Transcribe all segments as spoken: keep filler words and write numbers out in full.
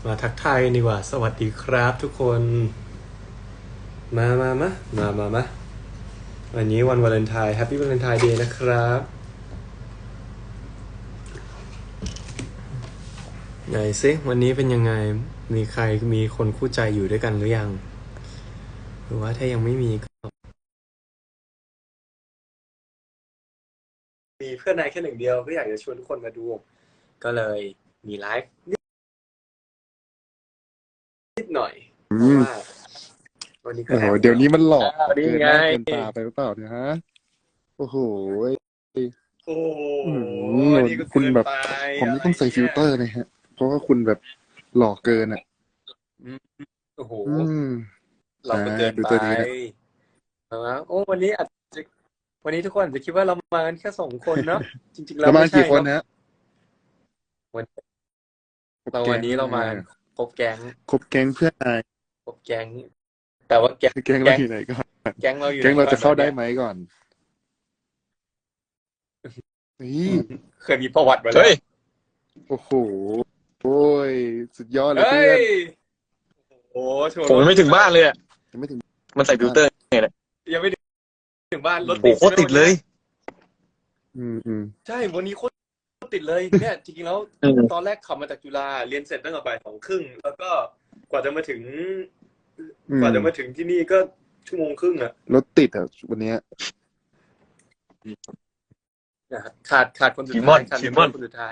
มาทักทายกันดีกว่าสวัสดีครับทุกคนมามามามามามาวันนี้วันวาเลนไทน์แฮปปี้วาเลนไทน์เดย์นะครับไหนซิวันนี้เป็นยังไงมีใครมีคนคู่ใจอยู่ด้วยกันหรือยังหรือว่าถ้ายังไม่มีก็มีเพื่อนนายแค่หนึ่งเดียวก็อยากจะชวนทุกคนมาดูก็เลยมีไลฟ์นิดหน่อยเพราะว่าวันนี้ก็โอ้โหแอบเดี๋ยวนี้มันหลอกวันนี้เกินหไงน้าเกินตาไปหรือเปล่าเนี่ยฮะ โอ้โหโอ้โหอืมอันนี้ก็คุณเกินแบบไปผมนี่ต้องใส่ฟิลเตอร์นะฮะ เพราะว่าคุณแบบหลอกเกินอ่ะอืมโอ้โหอืมเราก็เกินดูไปตัวนี้นะนะโอ้วันนี้อาจจะวันนี้ทุกคนอาจจะคิดว่าเรามากันแค่สองคนเนาะจริงๆแล้แล้ว วมาไม่ใช่กี่คนเนาะฮะวันครบเราแก๊วันงนี้เรามาอ่าครบแก๊งครบแก๊งเพื่อนนายครบแก๊งแต่ว่าแก๊งแก๊งเราอยู่ไหนก่อนแก๊งเราอยู่แก๊งเราหนจะเข้าได้ก่อนไหมก่อนนี่เคยมีประวัติมาแล้วเฮ้ยโอ้โห โอ้ย สุดยอดเลยเฮ้เพื่อนยโอ้โหโชว์ผมยังไม่ถึงบ้านเลยอ่ะยังไม่ถึงมันใส่ฟิลเตอร์ไงเนี่ยยังไม่ถึงบ้านรถโอ้ติดโหโคตรติดเลยอืมอืมใช่วันนี้โคตรติดเลยเนี่ยจริงๆแล้วอืมตอนแรกขับมาจากจุฬาเรียนเสร็จตั้งแต่บ่ายสองครึ่งแล้วก็กว่าจะมาถึงอืมกว่าจะมาถึงที่นี่ก็ชั่วโมงครึ่งอะรถติดอ่ะวันเนี้ยขาดขาดคนสุดชิมอท้ายนขาดชิมอนคนสุดท้าย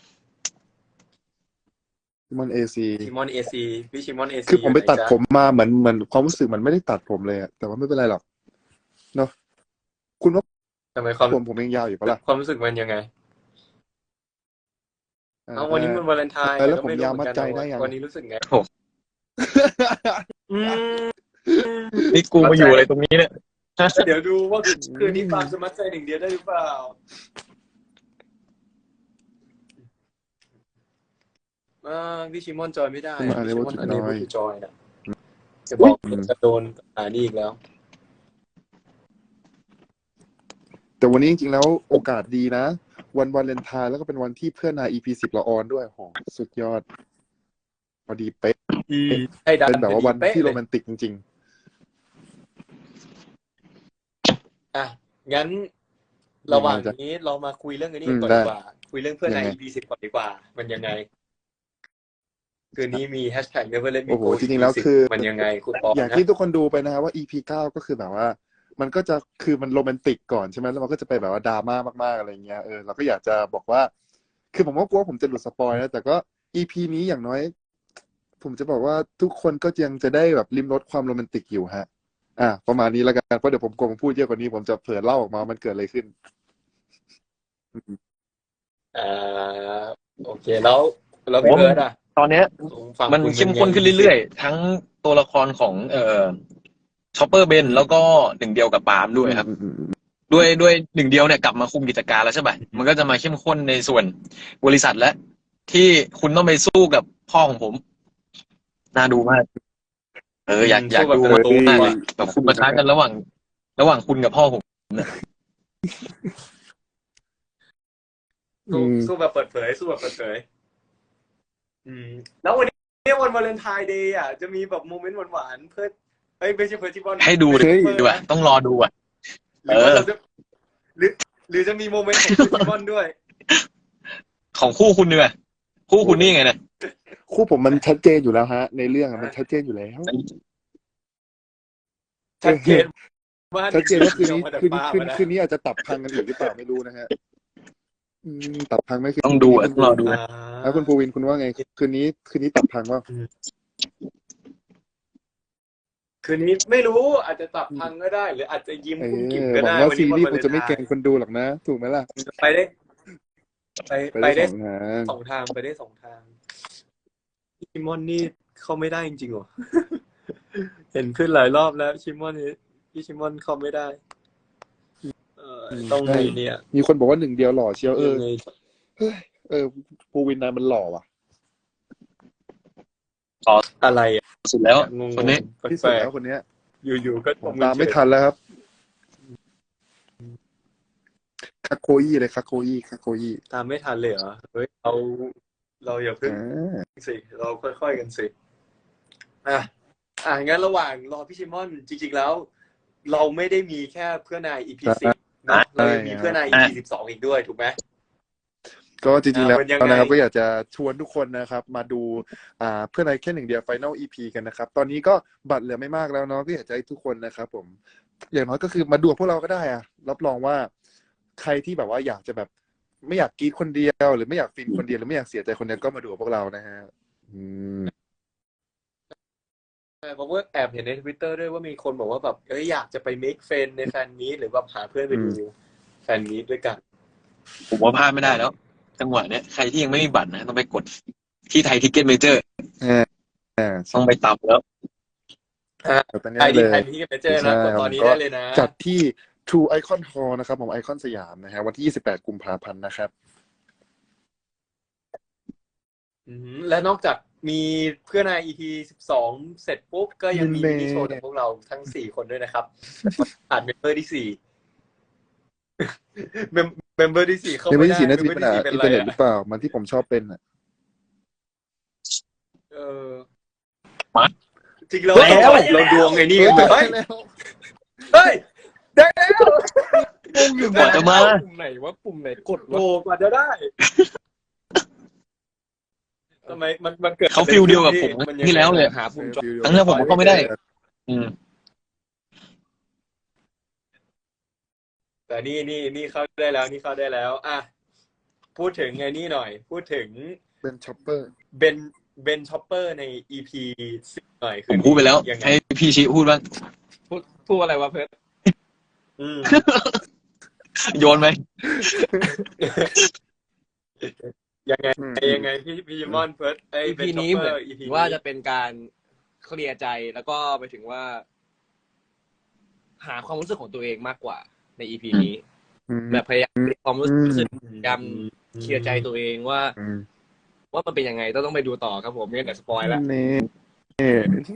ที่มันเอซีชิมอนเอซีพี่ชิมอนเอซีคือผมไปตัดผมมาเหมือนเหมือนความรู้สึกมันไม่ได้ตัดผมเลยอะแต่ว่าไม่เป็นไรหรอกเนาะคุณว่าทำไมความผมผมยังยาวอยู่ปะล่ะความรู้สึกมันยังไงอ่าเอาวันนี้มันวาเลนไทน์เออแล้วก็ผมไม่รู้ยาวเหมือนกันมัดใจได้ยังวันนี้รู้สึกไงโอ้อืมนี่กูมาอยู่อะไรตรงนี้เนี่ยเดี๋ยวดูว่าคืนนี้ความสมัครใจหนึ่งเดียวได้หรือเปล่าอ่าพี่ชิมอนจอยไม่ได้มาพี่ชิมอน Unable to อันนี้ join ไม่จอยนะจะบอกอืมจะโดนอ่านี่อีกแล้วแต่วันนี้จริงๆแล้วโอกาสดีนะ วันวาเลนไทน์แล้วก็เป็นวันที่เพื่อนนาย อี พี สิบละออนด้วยโหสุดยอดพอดีเป๊ะให้ดันเป็นแบบว่าวันพอดีที่โรเป๊ะแมนติกจริงอ่ะงั้นระหว่างนี้เรามาคุยเรื่องอันนี้ก่อนดีกว่า คุยเรื่องเพื่อนใน อี พี สิบก่อนดีกว่า มันยังไงคืนนี้มีแฮชแท็ก never let ๆ me โอ้โห go จริงๆแล้วคือมันยังไงคุณปออย่างนะที่ทุกคนดูไปนะว่า อี พี เก้าก็คือแบบว่า มันก็จะคือมันโรแมนติกก่อนใช่ไหมแล้วมันก็จะไปแบบว่าดราม่ามากๆอะไรเงี้ยเออเราก็อยากจะบอกว่า คือผมก็กลัวผมจะหลุดสปอยนะแต่ก็ อี พี นี้อย่างน้อย ผมจะบอกว่าทุกคนก็ยังจะได้แบบริมรสความโรแมนติกอยู่ฮะ อ่ะประมาณนี้แล้วกันเพราะเดี๋ยวผมกลัวผมพูดเยอะกว่านี้ผมจะเผลอเล่าออกมามันเกิดอะไรขึ้นอ่าโอเคแล้วแล้วพี่เบิร์ดอ่ะตอนเนี้ยฝั่งมันคุณเข้มข้นขึ้นเรื่อยๆ ทั้งตัวละครของเอ่อชอปเปอร์เบนแล้วก็หนึ่งเดียวกับปาล์มด้วยครับ ด้วยด้วยหนึ่งเดียวเนี่ยกลับมาคุมกิจการแล้วใช่ไหมมันก็จะมาเข้มข้นในส่วนบริษัทและที่คุณต้องไปสู้กับพ่อของผม น่าดูมาก เอออยากอยากดูสู้แบบมากเลยอะแบบคุณประทะกันระหว่าง ระหว่างคุณกับพ่อผมสู้สู้แบบเปิดเผยสู้แบบเปิดเผยอืมแล้ววันนี้วันวาเลนไทน์เดย์อ่ะจะมีแบบโมเมนต์หวานๆเพื่อเอ้ยไม่ใช่เพื่อที่บอลให้ดูเฮ้ยดีกว่าต้องรอดูอ่ะหรือว่าเราจะหรือหรือจะมีโมเมนต์ของเพื่อที่บอลด้วยของคู่คุณเนี่ยคู่คุณนี่ไงเนี่ยคู่ผมมันชัดเจนอยู่แล้วฮะ ในเรื่องอะมันชัดเจนอยู่แล้วชัดเจนว่าชัดเจนว่าคืนนี้มาจากคืนปาคืนมาะคืนนี้อาจจะตับพังกันอีกหรือเปล่าไม่รู้นะฮะอืมตับพังไหมคืนต้องดูอะคืนต้องรอดูอ่าแล้วคุณภูวินคุณว่าไง คืนนี้คืนนี้ตับพังว่าคืนนี้ไม่รู้อาจจะตับพังก็ได้ หรืออาจจะยิ้มเอกุ้มกิ่มอก็หวัได้งว่าวันซีนี้รีส์วันคุณจะไม่เกรงวาลนทน์คนดูหรอกนะ ถูกไหมล่ะไปได้ ไปไปไปได้ได้สองทางสองทางไปได้สองทางชิมอนนี่เข้าไม่ได้จริงๆเหรอ เห็นขึ้นหลายรอบแล้วชิมอนนี่พี่ชิมอนเข้าไม่ได้ เออต้องไงเนี่ยมีคนบอกว่าหนึ่งเดียวหล่อเชียวเออยังไงเฮ้ยเออภูวินนายมันหล่อว่ะอะไรอ่ะสุดแล้วงงๆคนนี้ที่สุแปดลแล้กวคนเนี้ยๆอยู่ๆก็ผมตามไม่ทันแล้วครับคาโคอี้เลยคาโคอี้คาโคอี้ตามไม่ทันเลยเหรอเฮ้ยเราเราอย่าเพิ่งอ่าสิเราค่อยๆกันสิอ่ะอ่ะงั้นระหว่างรอพี่ชิมอนจริงๆแล้ว เราไม่ได้มีแค่เพื่อนนาย อี พี สิบเนาะเรายังมีเพื่อนนาย อี พี สิบสองอีกด้วยถูกไหมก็จริงๆแล้วอ่ามันยังไงนะครับก็อยากจะชวนทุกคนนะครับ มาดูอ่าเพื่อนในแค่หนึ่งเดียว Final อี พี กันนะครับ ตอนนี้ก็บัตรเหลือไม่มากแล้วเนาะก็อยากจะให้ทุกคนนะครับผมอย่างน้อยก็คือมาดูกับพวกเราก็ได้อะรับรองว่าใครที่แบบว่าอยากจะแบบไม่อยากกรีดคนเดียวหรือไม่อยากฟินคนเดียวหรือไม่อยากเสียใจคนเดียวก็มาดูกับพวกเรานะฮะอืมเพราะว่าแอบเห็นใน Twitter ด้วยว่ามีคนบอกว่าแบบเอ้ยอยากจะไป make friend ในแฟนมีตหรือว่าหาเพื่อนไปดูแฟนมีตด้วยกันผมว่าพลาดไม่ได้แล้ว จังหวะเนี้ยใครที่ยังไม่มีบัตรนะต้องไปกดที่ไทยทิกเก็ตเมเจอร์อ่าอ่าต้องไปตับแล้วตอนนี้ใครเลที่ยใครที่ไปเจอนะกดตอนนี้ได้เลยนะจัดที่ True Icon Hall นะครับผมไอคอนสยามนะฮะวันที่ยี่สิบแปดกุมภาพันธ์นะครับอืมและนอกจากมีเพื่อนนาย อี พี สิบสองเสร็จปุ๊บก็ยังมีเน่มินิโชว์จากพวกเราทั้งสี่คนด้วยนะครับอ่านเมมเบอร์ที่สี่เมมเบอร์ที่สี่เข้าในไม่วันได้ที่สี่น่าจะมีเมปัมญเบอหาร์ที่สี่เป็นอินไรเทอร์เน็ตหอ่ะรือเปล่ามันที่ผมชอบเป็นอ่ะเออมาจริงแล้วแล้วเราดวงไอ้นี่เฮ้ยเฮ้ยแล้วเฮ้ยได้แล้วกว่าจะมาปุ่มไหนว่าปุ่มไหนกดโอ้วะกว่าจะได้ทำไมมันมันเกิดเขาฟิลเดียวกับผมนยังไงที่แล้วเลยหาปุ่มจอครั้งแรกผมก็ไม่ได้ อืมแต่นี่นี่นี่เข้าได้แล้วนี่เข้าได้แล้วอ่ะพูดถึงไงนี่หน่อย พูดถึงเป็นช็อปเปอร์เบนเบนช็อปเปอร์ใน อี พี สิบหน่อยผมพูดไปแล้วยังไงให้พี่ชิพูดบ้างพูดพูดอะไรวะเพิร์ดอืมโยนไหมยังไงยังไงพี่พี่มอนเฟิร์สไอ้อีเบนพีช็อปนี้เปเหอมือนร์ อี พีว่าจะเป็นการเคลียร์ใจแล้วก็ไปถึงว่า หาความรู้สึกของตัวเองมากกว่าใน อี พี นี้อืมแบบพยายามมีความรู้สึกอืมพยายามเคลียร์ใจตัวเองว่าอืมว่ามันเป็นยังไงต้องต้องไปดูต่อครับผมไม่งั้นเดี๋ยวสปอยล์ละนี่นี่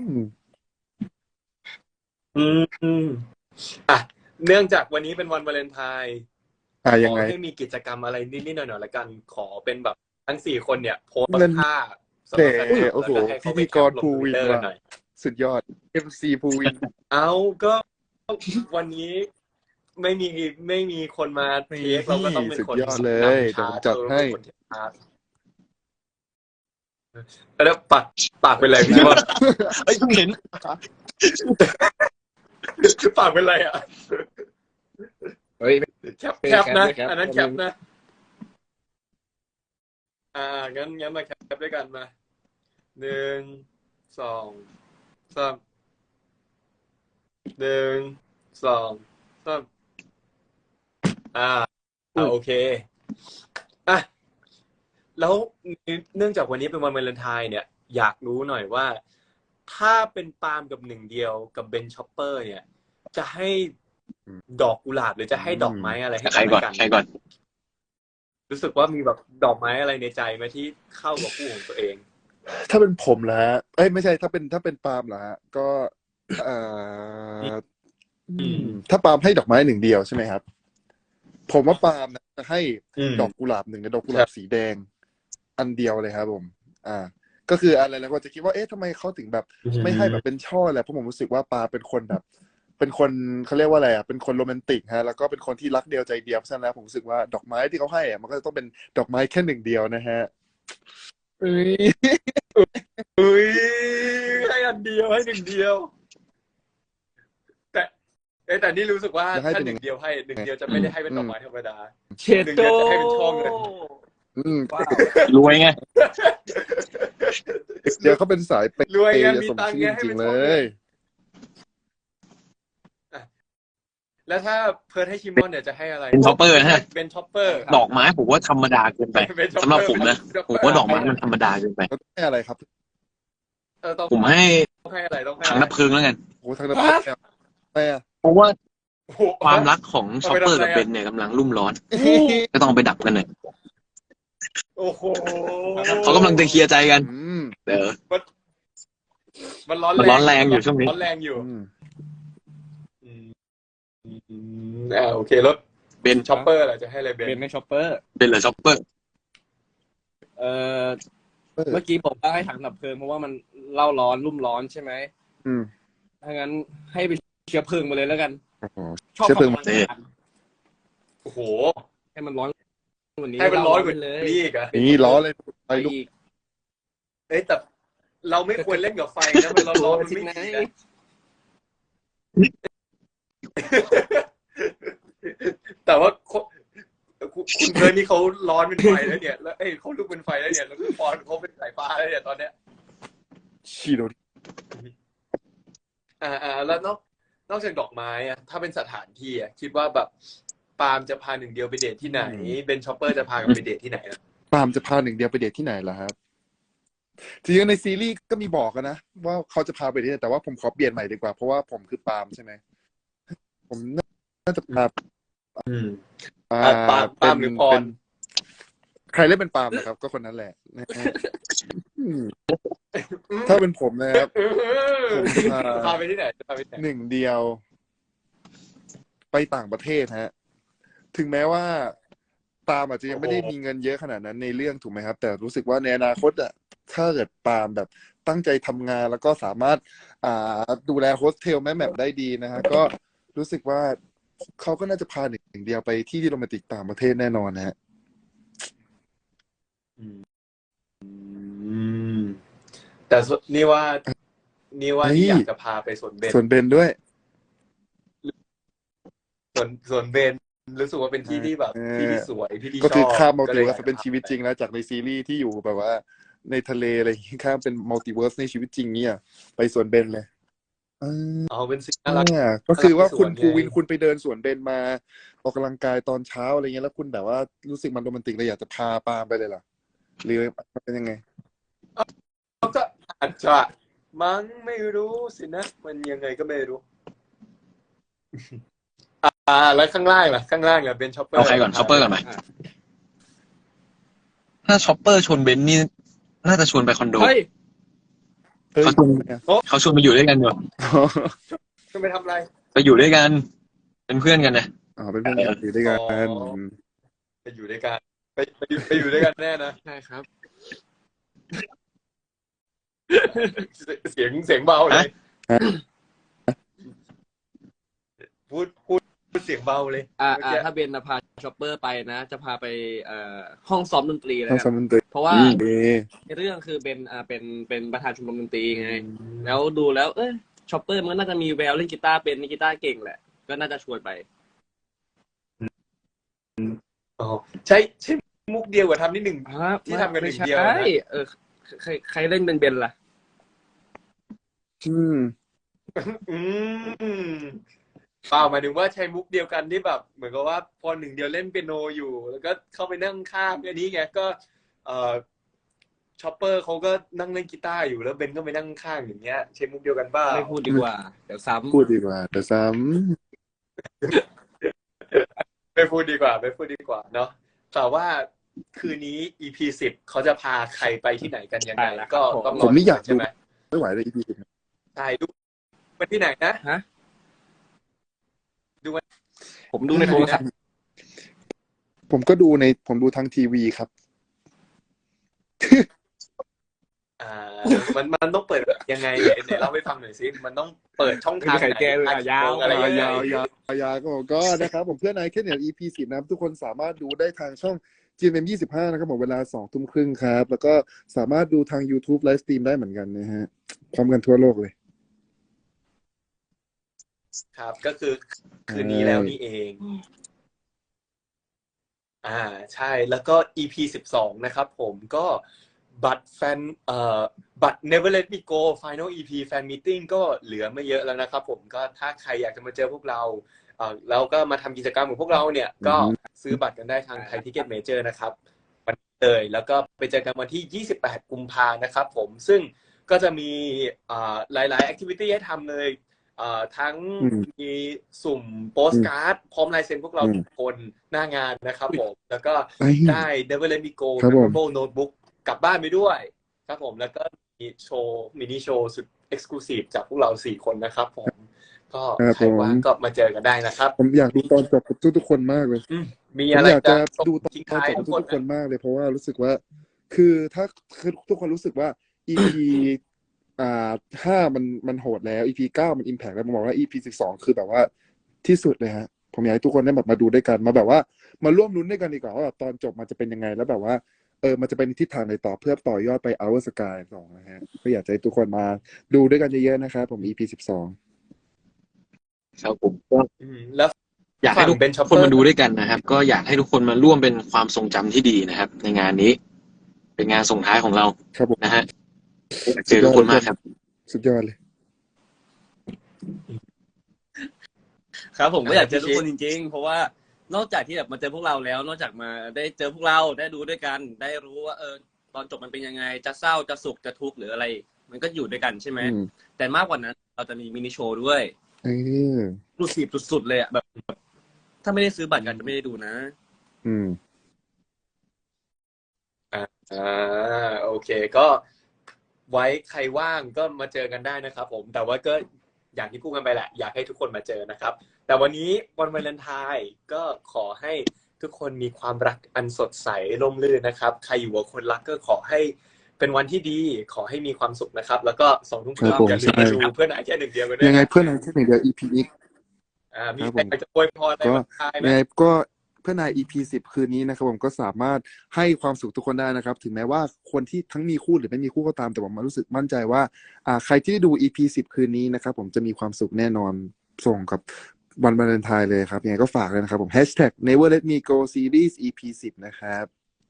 อืมอืมอ่ะเนื่องจากวันนี้เป็นวันวาเลนไทน์อ่ะขยังอไงให้มีกิจกรรมอะไรนิดๆหน่อยๆละกัน ขอเป็นแบบทั้งสี่คนเนี่ยโพสต์เล่นท่าสำหเตะรับแฟนคลับโอ้โหแล้วก็ให้พิเขาไปธีแคกปรลงภูทวิวิตนเตอร์ว่ะหน่อยสุดยอด เอ็ม ซี ภูวินเอาก็วันนี้ไม่มีไม่มีคนมาเทคเราก็ต้องเป็นคนสุดยอดเลยนำชาร์จเดี๋ยวผมจัดให้เราเป็นคนเทคชาร์จแล้วปากปากเป็นไรพี่บอลเอ้ยเพิ่งเห็นปากเป็นไรอ่ะเฮ้ยแคปแคปนะแคปอันนั้นแคปนะ อ่างั้นงั้นมาแคปด้วยกันมาหนึ่งสองสามหนึ่งสองสามอ่าอ่าโอเคอ่ะแล้วเนื่องจากวันนี้เป็นวันวาเลนไทน์เนี่ย อยากรู้หน่อยว่า ถ้าเป็นปาล์มกับหนึ่งเดียวกับเบนช็อปเปอร์ เนี่ย จะให้ดอกกุหลาบหรือจะให้ดอกไม้อะไรให้ใครก่อนกันใครก่อนรู้สึกว่ามีแบบดอกไม้อะไรในใจไหมที่เข้ากับคู่ของตัวเองถ้าเป็นผมเหรอฮะเอ้ยไม่ใช่ถ้าเป็นถ้าเป็นปาล์มเหรอฮะก็เอ่ออืมถ้าปาล์มให้ดอกไม้หนึ่งเดียวใช่ไหมครับ ผมว่าปาล์มนะจะให้อืมดอกกุหลาบหนึ่งกับดอกกุหลาบสีแดง อันเดียวเลยครับผม อ่า ก็คืออะไรแล้วก็จะคิดว่าเอ๊ะทำไมเขาถึงแบบ ไม่ให้แบบเป็นช่อแหละเพราะผมรู้สึกว่าปาเป็นคนแบบ เป็นคนเขาเรียกว่าอะไรอ่ะเป็นคนโรแมนติกฮะแล้วก็เป็นคนที่รักเดียวใจเดียวเพราะฉะนั้นแล้วผมรู้สึกว่าดอกไม้ที่เขาให้อ่ะมันก็จะต้องเป็นดอกไม้แค่หนึ่งเดียวนะฮะเอ้ยอุ้ยให้อันเดียวให้หนึ่งเดียว แต่เอ้ยแต่นี่รู้สึกว่าถ้าหนึ่งเดียวให้หนึ่งเดียวจะไม่ได้ให้เป็นดอกไม้ธรรมดาเชหนึ่งโตเดียวจะให้เป็นช่อเงินอืมว้าวรวยไงเดี๋ยวเขาเป็นสายเปย์รวยไงมีสมตังค์ชื่ไงอให้จริเป็งนๆช่เลอเงินยแล้วถ้าเพิร์ทให้ชิมอนเนี่ยจะให้อะไรเป็นช็อปเปอร์นะฮะเป็นช็อปเปอร์ดอกไม้ผมว่าธรรมดาเกินไปเป็นช็อปสำหรับเปอร์ผมนะผมว่าดอกไม้มันธรรมดาเกินไปแล้วให้อะไรครับเออต้องผมให้ต้องให้อะไรต้องให้ถังดับเพลิงแล้วกันโอ้ทางนั้นแต่เพราะว่าโอ้โหความรักของช็อปเปอร์กับเบนเนี่ยกำลังรุ่มร้อน ก็ต้องไปดับกันหน่อยโอ้โหเขากำลังจะเคลียร์ใจกันอืมเดี๋ยวมันร้อนมันร้อนแรงอยู่ช่วงนี้ร้อนแรงอยู่อืมอืมอืมอ่าโอเครถเบนช็อปเปอร์แหละจะให้อะไรเบนเป็นไม่ช็อปเปอร์เป็นเหรอช็อปเปอร์เอ่อเมื่อกี้บอกว่าให้ถังดับเพลิงเพราะว่ามันเล่าร้อนรุ่มร้อนใช่ไหมอืมถ้างั้นให้ไปเชื้อเพลิงมาเลยแล้วกันโอ้โหชอบเชื้อเพลิงความร้อนโอ้โหให้มันร้อนกว่านี้ให้มันร้อนกว่าเล่เลยนี้อีกอะนี่ล้อเลยไฟไปลุกอีกเอ้ยแต่เราไม่ควรเล่นกับไฟนะมันร้อนๆมันไม่ดีนะแต่ว่าคุณคุณเพิร์นนี่เขาร้อนเป็นไฟแล้วเนี่ยแล้วเอ้ยเขาลุกเป็นไฟแล้วเนี่ยแล้วคุณปอนเขาเป็นสายฟ้าแล้วเนี่ยตอนเนี้ยชีโดอ่าอ่าแล้วนอกนอกจากดอกไม้อะถ้าเป็นสถานที่อะคิดว่าแบบปาล์มจะพาหนึ่งเดียวไปเดทที่ไหนเบนชอปเปอร์จะพากันไปเดทที่ไหนอะปาล์มจะพาหนึ่งเดียวไปเดทที่ไหนล่ะครับจริงๆในซีรีส์ก็มีบอกกันนะว่าเขาจะพาไปที่ไหนแต่ว่าผมขอเปลี่ยนใหม่ดีกว่าเพราะว่าผมคือปาล์มใช่ไหมผมน่าจะพาอืมอ่าอ่ะปาล์มปาล์มหรือพรเป็นใครเล่นเป็นปาล์มนะครับ ก็คนนั้นแหละนะฮะอืมถ้าเป็นผมนะครับ ผมพาพาไปที่ไหนจะพาไปที่ไหนหนึ่งเดียว ไปต่างประเทศฮะ ถึงแม้ว่าปาล์มอาจจะยังไม่ได้มีเงินเยอะขนาดนั้นในเรื่องถูกไหมครับ แต่รู้สึกว่าในอนาคตอ่ะถ้าเกิดปาล์มแบบตั้งใจทำงานแล้วก็สามารถ อ่าดูแลโฮสเทลแม่แมปได้ดีนะฮะก็รู้สึกว่าเขาก็น่าจะพาหนึ่งเดียวไปที่ที่โรแมนติกต่างประเทศแน่นอนนะฮะอืมแต่ส่วนนี่ว่า นี่ว่าเฮ้ยนี่อยากจะพาไปสวนเบนส่วนเบนด้วยสวนสวนเบนรู้สึกว่าเป็นที่ที่แบบเออที่ที่สวยที่ที่ชอบก็คือข้ามมัลก็ติเลยเวิอร์ยาสกเป็นจะพาชีวิตไปจริงแล้วจากในซีรีส์ที่อยู่แบบว่า ในทะเลอะไรอย่างงี้ข้ามเป็นมัลติเวิร์สในชีวิตจริงเนี่ยไปสวนเบนเลยเออเอาเป็นสิ่งน่ารักเนี่ยก็คือว่าคุณสวนไงภูวินคุณไปเดินสวนเบนมาออกกำลังกายตอนเช้าอะไรเงี้ยแล้วคุณแบบว่ารู้สึกมันโรแมนติกเลยอยากจะพาปาล์มไปเลยเหรอหรือมันเป็นยังไงก็อาจจะมั้งไม่รู้สินะ มันยังไงก็ไม่รู้ อ่า แล้วข้างล่างล่ะข้างล่างล่ะเป็นช็อปเปอร์เอาใครก่อนช็อปเปอร์ก่อนไหมถ้าช็อปเปอร์ชวนเบนนี่น่าจะชวนไปคอนโดเฮ้ยเฮ้ยเขาชวนเขาชวนไปอยู่ด้วยกันอยู่จะไปทำอะไรไปอยู่ด้วยกัน เป็นเพื่อนกันนะอ๋อเป็นเพื่อนกันอยู่ด้วยกันอ๋อ ไปอยู่ด้วยกันไปไปอยู่ไปอยู่ด้วยกันแน่นะใช่ครับเสียงเสียงเบาเลยพูดพูดพูดเสียงเบาเลยอ่าเมื่ออ่ากี้ถ้าเบนนะพาช็อปเปอร์ไปนะ จะพาไปเอ่อห้องซ้อมดนตรีเลยทั้งกัสามนดนตรีเพราะว่าเอในเรื่องคือเป็นอ่าเป็นเป็นประธานชมรมดนตรีไง แล้วดูแล้ว เอ้ยช็อปเปอร์มันก็น่าจะมีแววเล่นกีตาร์เป็นเล่นกีตาร์เก่งแหละ ก็น่าจะชวนไปอ๋อใช่ใช่มุกเดียวกับทำนิดหนึ่งครับที่ทำกันหนึ่งไม่เดียวนะใช่เออใครใครเล่นเป็นเบนล่ะอืมอืมเปล่าหมายถึงว่าใช้มุกเดียวกันที่แบบ เหมือนกับว่าพอหนึ่งเดียวเล่นเปียโนอยู่ แล้วก็เข้าไปนั่งข้างอันนี้ไงก็ เอ่อช็อปเปอร์เขาก็นั่งเล่นกีตาร์อยู่แล้วเบนก็ไปนั่งข้างอย่างเงี้ยใช้มุกเดียวกันเปล่าไม่พูดดีกว่า เดี๋ยวซ้ำพูดดีกว่าแต่ซ้ไม่พูดดีกว่าไม่พูดดีกว่าเนาะแต่ว่าคืนนี้ อี พี สิบเขาจะพาใครไปที่ไหนกันยังไงใช่แล้วครับก็ผมต้องำรผมนี่อยากใช่ดูไหมไม่ไหวเลยอีพีสิบใช่ดูไปที่ไหนนะฮะดูวันผมดูในโทรศัพท์ผมก็ดูในผมดูทางทีวีครับอ่ามันมันต้องเปิดยังไงเนี่ยไหนเล่าให้ฟังหน่อยสิมันต้องเปิดช่องทางไม่มีใครแก้เลยไหนอ่ะยาวอะไรยังไงยาวยาวยาวก็ก็นะครับผมเพื่อนนายแค่เนี่ย อี พี สิบนะครับทุกคนสามารถดูได้ทางช่อง จี เอ็ม เอ็ม ยี่สิบห้านะครับผมเวลาสองทุ่มครึ่งครับ แล้วก็สามารถดูทาง YouTube ไลฟ์สตรีมได้เหมือนกันนะฮะพร้อมกันทั่วโลกเลยครับ ก็คือคืนนี้แล้วนี่เอง อ่าใช่แล้วก็ อี พี สิบสองนะครับผมก็บัตรแฟนเอ่อบัตร Never Let Me Go Final อี พี แฟนมีตติ้งก็เหลือไม่เยอะแล้วนะครับผมก็ถ้าใครอยากจะมาเจอพวกเราเอ่อแล้วก็มาทำกิจกรรมของพวกเราเนี่ยก็ซื้อบัตรกันได้ทางไทยทิเก็ตเมเจอร์นะครับวันนี้เลยแล้วก็ไปเจอกันวันที่ยี่สิบแปดกุมภานะครับผมซึ่งก็จะมีอ่าหลายๆแอคทิวิตี้ให้ทำเลยเอ่อทั้งอืมมีสุ่มโปสการ์ดพร้อมลายเซ็นพวกเราอืมทุกคนหน้างานนะครับผมแล้วก็ไอ้ได้ Never Let Me Go ครับผม Memorable Notebook กลับบ้านไปด้วย ครับผมแล้วก็มีโชว์มินิโชว์สุด Exclusive จากพวกเราสี่คนนะครับผมก็ครับใครว่างผมก็มาเจอกันได้นะครับผมอยากดูตอนจบกับทุกๆคนมากเลยอืมมีผมอะไรอยากจะจะดูตทิ้งอนท้ายจบทุกับกคนทุกๆคนมากเลยเพราะว่ารู้สึกว่าคือถ้าคือทุกคนรู้สึกว่า อี พี อ่าห้ามันมันโหดแล้ว อี พี เก้ามันอิมแพกแล้วผมบอกว่า อี พี สิบสองคือแบบว่าที่สุดเลยฮะผมอยากให้ทุกคนได้แบบมาดูด้วยกันมาแบบว่ามาร่วมลุ้นด้วยกันดีกว่าว่าแบบตอนจบมันจะเป็นยังไงแล้วแบบว่าเออมันจะเป็นทิศทางไหนต่อเพื่อต่อยอดไป Our Sky สองนะฮะก็อยากจะให้ทุกคนมาดูด้วยกันเยอะๆนะครับผม อี พี สิบสองครับผมก็อืมแล้วอยากให้ทุกฝั่ง Ben คน Chopper มาดูด้วยกันนะครับ ก็อยากให้ทุกคนมาร่วมเป็นความทรงจำที่ดีนะครับ ในงานนี้ เป็นงานส่งท้ายของเราครับผมนะฮะอยากเจอทุกคนมากครับสุดยอดเลยครับผมก็อยากเจอทุกคนจริงๆ เพราะว่านอกจากที่แบบมาเจอพวกเราแล้ว นอกจากมาได้เจอพวกเราได้ดูด้วยกัน ได้รู้ว่าเออตอนจบมันเป็นยังไงจะเศร้าจะสุขจะทุกข์หรืออะไร มันก็อยู่ด้วยกันใช่ไหมอืมแต่มากกว่านั้นเราจะมีมินิโชว์ด้วยเออรูสีบสุดๆเลยอะแบบ ถ้าไม่ได้ซื้อบัตรกันจะไม่ได้ดูนะอืมอ่าโอเคก็ไว้ใครว่างก็มาเจอกันได้นะครับผมแต่ว่าก็อย่างที่พูดกันไปแหละอยากให้ทุกคนมาเจอนะครับ แต่วันนี้วันวาเลนไทน์ก็ขอให้ทุกคนมีความรักอันสดใสร่มรื่นนะครับใครอยู่กับคนรักก็ขอให้เป็นวันที่ดีขอให้มีความสุขนะครับ แล้วก็สองทุ่มครึ่งครับผมอย่าลืมมาใช่ดูเพื่อนไอแค่หนึ่งเดียวกันด้วยยังไงนะเพื่อนนายแค่หนึ่งเดียว อี พี นี้อ่ามีครับใครผมอยากจะอวยพรอะไรก็บ้างไหมยังไงก็เพื่อนนาย อี พี สิบคืนนี้นะครับผมก็สามารถให้ความสุขทุกคนได้นะครับ ถึงแม้ว่าคนที่ทั้งมีคู่หรือไม่มีคู่ก็ตามแต่ผมรู้สึกมั่นใจว่าอ่าใครที่ได้ดู อี พี สิบคืนนี้นะครับผมจะมีความสุขแน่นอนส่งกับวันวาเลนไทน์เลยครับยังไงก็ฝากเลยนะครับผม แฮชแท็ก เนเวอร์ เลท มี โก ซีรีส์ อี พี สิบนะครับ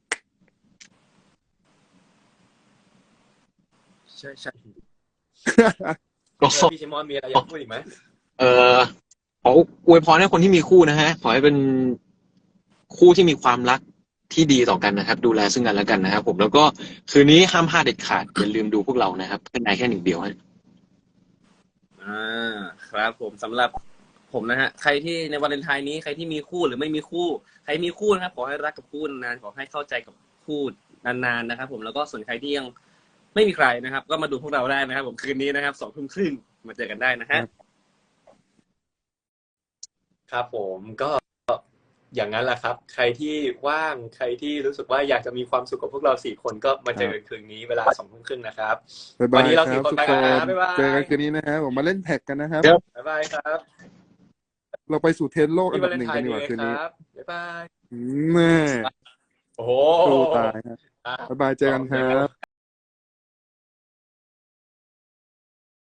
ใช่ใช่ก็พี่ชิมอนมีอะไรอยากพูดอีกไหมเอ่อขออวยพรให้คนที่มีคู่นะฮะ ขอให้เป็นคู่ที่มีความรักที่ดีต่อกันนะครับ ดูแลซึ่งกันและกันนะครับผมแล้วก็คืนนี้ห้ามพลาดเด็ดขาดอย่าลืมดูพวกเรานะครับเพื่อนนายแค่หนึ่งเดียวฮะอ่าครับผมสำหรับผมนะฮะใครที่ในวาเลนไทน์นี้ใครที่มีคู่หรือไม่มีคู่ ใครมีคู่นะครับขอให้รักกับคู่นานๆขอให้เข้าใจกับคู่นานๆนะครับผมแล้วก็ส่วนใครที่ยังไม่มีใครนะครับ ก็มาดูพวกเราได้นะครับ ผมคืนนี้นะครับสองทุ่มครึ่งมาเจอกันได้นะฮะครับผมก็อย่างนั้นแหละครับ ใครที่ว่างใครที่รู้สึกว่าอยากจะมีความสุขกับพวกเราสี่คนก็มาเจอกันคืนนี้เวลาสองทุ่มครึ่งนะครับบ๊ายวับาน ยนี้เราคสี่รับคนทุกไปคกันนนะบ๊ายบายเจอกันคืนนี้นะครับผมมาเล่นแท็กกันนะครับบ๊ายบายครับเราไปสู่เทรนด์โลกอัที่นวาดับเลนหนึ่งไทกันน์ดีดีกว่าเลยคืนคนี้รับบ๊ายบายแม่โอ้โหสู้ตายครับอ่ะบ๊ายบายเจอกันครับ